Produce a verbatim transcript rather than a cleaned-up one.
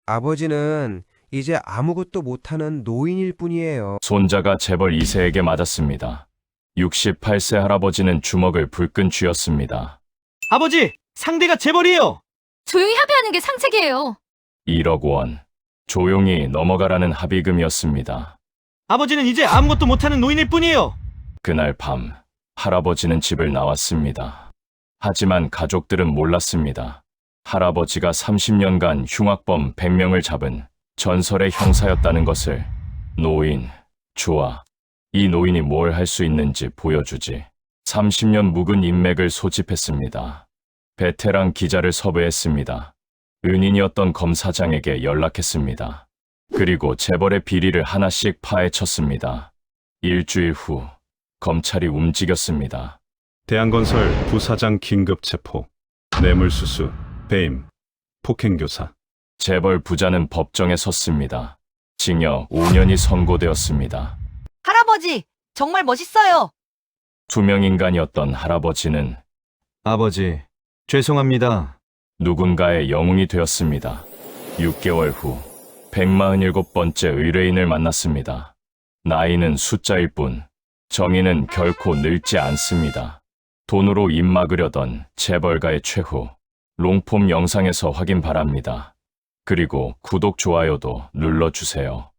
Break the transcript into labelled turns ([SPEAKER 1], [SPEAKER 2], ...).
[SPEAKER 1] 아버지는 이제 아무것도 못하는 노인일 뿐이에요.
[SPEAKER 2] 손자가 재벌 이 세에게 맞았습니다. 육십팔 세 할아버지는 주먹을 불끈 쥐었습니다.
[SPEAKER 3] 아버지, 상대가 재벌이에요.
[SPEAKER 4] 조용히 합의하는 게 상책이에요.
[SPEAKER 2] 일억 원. 조용히 넘어가라는 합의금이었습니다.
[SPEAKER 3] 아버지는 이제 아무것도 못하는 노인일 뿐이에요.
[SPEAKER 2] 그날 밤, 할아버지는 집을 나왔습니다. 하지만 가족들은 몰랐습니다. 할아버지가 삼십 년간 흉악범 백 명을 잡은 전설의 형사였다는 것을. 노인, 좋아. 이 노인이 뭘 할 수 있는지 보여주지. 삼십 년 묵은 인맥을 소집했습니다. 베테랑 기자를 섭외했습니다. 은인이었던 검사장에게 연락했습니다. 그리고 재벌의 비리를 하나씩 파헤쳤습니다. 일주일 후, 검찰이 움직였습니다.
[SPEAKER 5] 대한건설 부사장 긴급 체포, 뇌물수수, 배임, 폭행교사.
[SPEAKER 2] 재벌 부자는 법정에 섰습니다. 징역 오 년이 선고되었습니다.
[SPEAKER 6] 할아버지, 정말 멋있어요.
[SPEAKER 2] 투명인간이었던 할아버지는
[SPEAKER 3] 아버지, 죄송합니다.
[SPEAKER 2] 누군가의 영웅이 되었습니다. 육 개월 후, 백사십칠 번째 의뢰인을 만났습니다. 나이는 숫자일 뿐, 정의는 결코 늙지 않습니다. 돈으로 입 막으려던 재벌가의 최후, 롱폼 영상에서 확인 바랍니다. 그리고 구독, 좋아요도 눌러주세요.